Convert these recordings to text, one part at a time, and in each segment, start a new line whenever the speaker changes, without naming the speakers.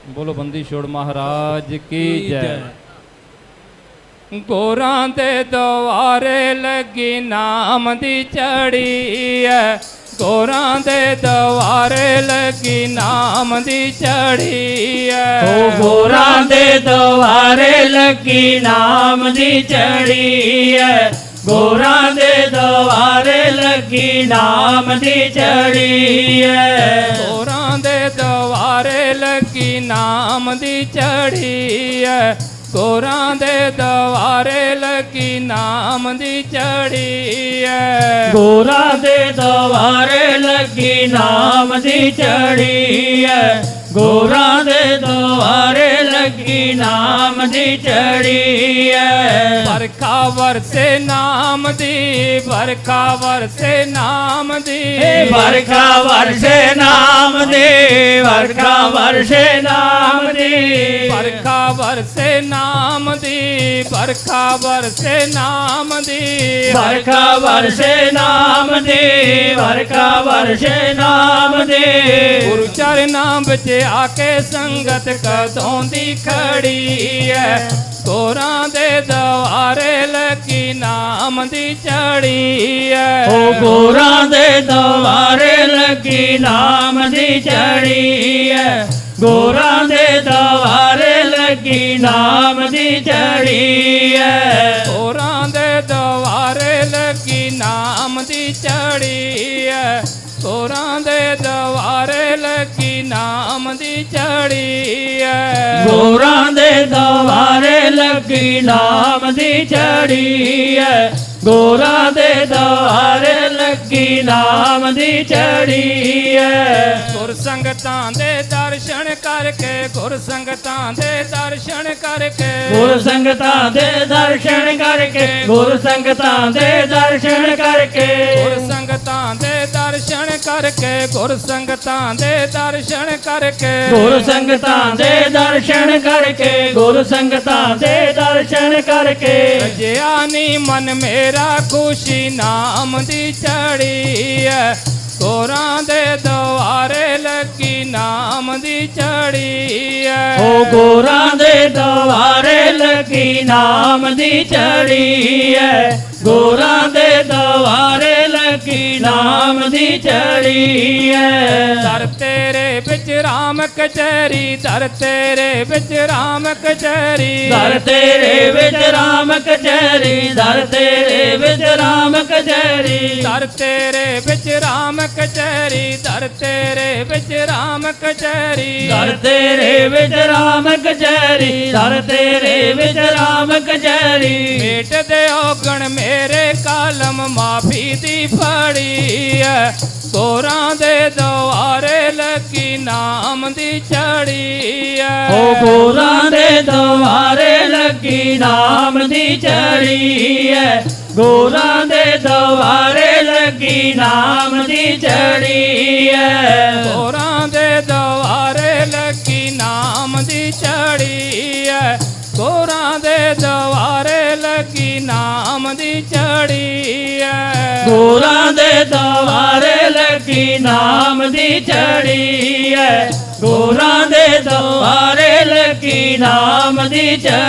बोलो बंदी छोड़ महाराज की जय। गोरां दे द्वारे लगी नाम दी चढ़ी है, गोरां दे द्वारे लगी नाम दी चढ़ी है।
ओ गोरां दे द्वारे लगी नाम दी चढ़ी है, गोरां दे द्वारे लगी नाम दी चढ़ी है।
गोरां दे द्वारे लगी नाम दी चढ़ी है, गोरां दे द्वारे लगी नाम दी चढ़ी है।
गोरां दे द्वारे लगी नाम दी चढ़ी है, गोरां दे द्वारे लगी नाम दी चढ़ी है।
बरखा वरसे नाम दी, बरखा वरसे नाम दी,
बरखा वरसे नाम दी, बरखा वरसे नाम दी,
बरखा वरसे नाम दी, बरखा वरसे नाम दी,
बरखा वरसे नाम दी, बरखा वरसे नाम दी।
गुरु चरनां विच आके संगत कदों दी खड़ी है, गोरां दे द्वारे लगी नाम दी चढ़ी है।
ओ गोरां दे द्वारे लगी नाम दी चढ़ी है, गोरां दे द्वारे लगी नाम दी चढ़ी है।
गोरां दे द्वारे लगी नाम दी चढ़ी है, गोरां दे द्वारे लगी नाम दी चढ़ी है।
गोरां दे द्वारे लगी नाम दी चढ़ी है, गोरां दे द्वारे लगी नाम दी चढ़ी है।
गुर संगतां दे दर्शन करके, गुर संगतां दे दर्शन करके,
गुर संगतां दे दर्शन करके, गुर संगतां दे दर्शन करके,
गुर संगतां दे दर्शन करके, गुर संगतां दे दर्शन करके,
गुर संगतां दे दर्शन करके, गुर संगतां दे दर्शन करके।
रजिया नी मन मेरा खुशी नाम दी चढ़ी है, गोरां दे द्वारे लगी नाम दी चढ़ी है।
ओ गोरां दे द्वारे लगी नाम दी चढ़ी है, गोरां दे द्वारे लगी नाम दी चढ़ी है।
दर तेरे बिच राम कचहरी, दर तेरे बिच राम कचहरी,
दर तेरे विच राम कचहरी, दर तेरे विच राम कचहरी,
दर तेरे बिच राम कचहरी, दर तेरे बिच राम कचहरी,
दर तेरे विच राम कचहरी, दर तेरे विच राम कचहरी।
मेट दे औगण मेरे कालम माफी दी फड़ी है, गोरां दे द्वारे लगी नाम दी चढ़ी है।
ओ गोरां दे द्वारे लगी नाम दी चढ़ी है, गोरां दे द्वारे लगी नाम दी चढ़ी है।
गोरां दे द्वारे लगी नाम दी चढ़ी है, गोरां दे द्वारे लगी नाम दी चढ़ी है।
गोरां दे द्वारे लगी नाम दी चढ़ी है, गोरां दे द्वारे लगी नाम दी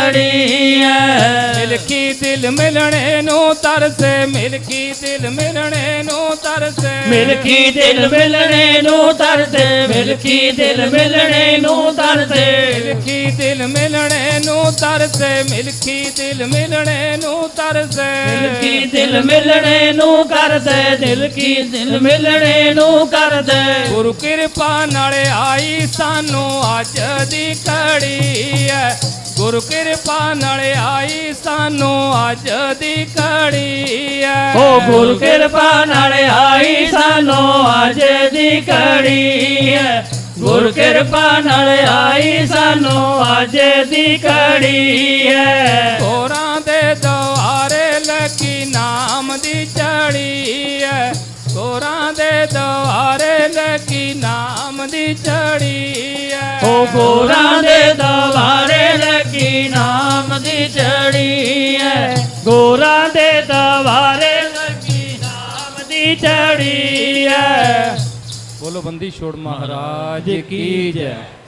चढ़ी है।
मिलकी दिल मिलने नू तरसे, मिलकी दिल मिलने नू तरसे,
मिलकी दिल मिलने नू तरसे, मिलकी दिल मिलने नू तरसे,
मिलकी दिल मिलने नू तरसे, मिलकी दिल मिलने नू तरसे,
मिलकी दिल मिलने नू करदे, दिल की दिल मिलने नू करदे।
गुरु किरपा नाले आई सानू अज दी घड़ी है, गुरु किरपा नाले आई सानू अज दी घड़ी है।
ओ गुरु किरपा नाले आई सानू अज दी घड़ी है, गुरु किरपा नाले आई सानू अज दी घड़ी है।
गोरां दे द्वारे लगी नाम दी चढ़ी है, गोरां दे द्वारे लगी नाम दी चढ़ी है।
ओ गोरां दे द्वारे लगी नाम दी चढ़ी है, गोरां दे द्वारे लगी नाम दी चढ़ी है।
बोलो बंदी छोड़ महाराज की जय।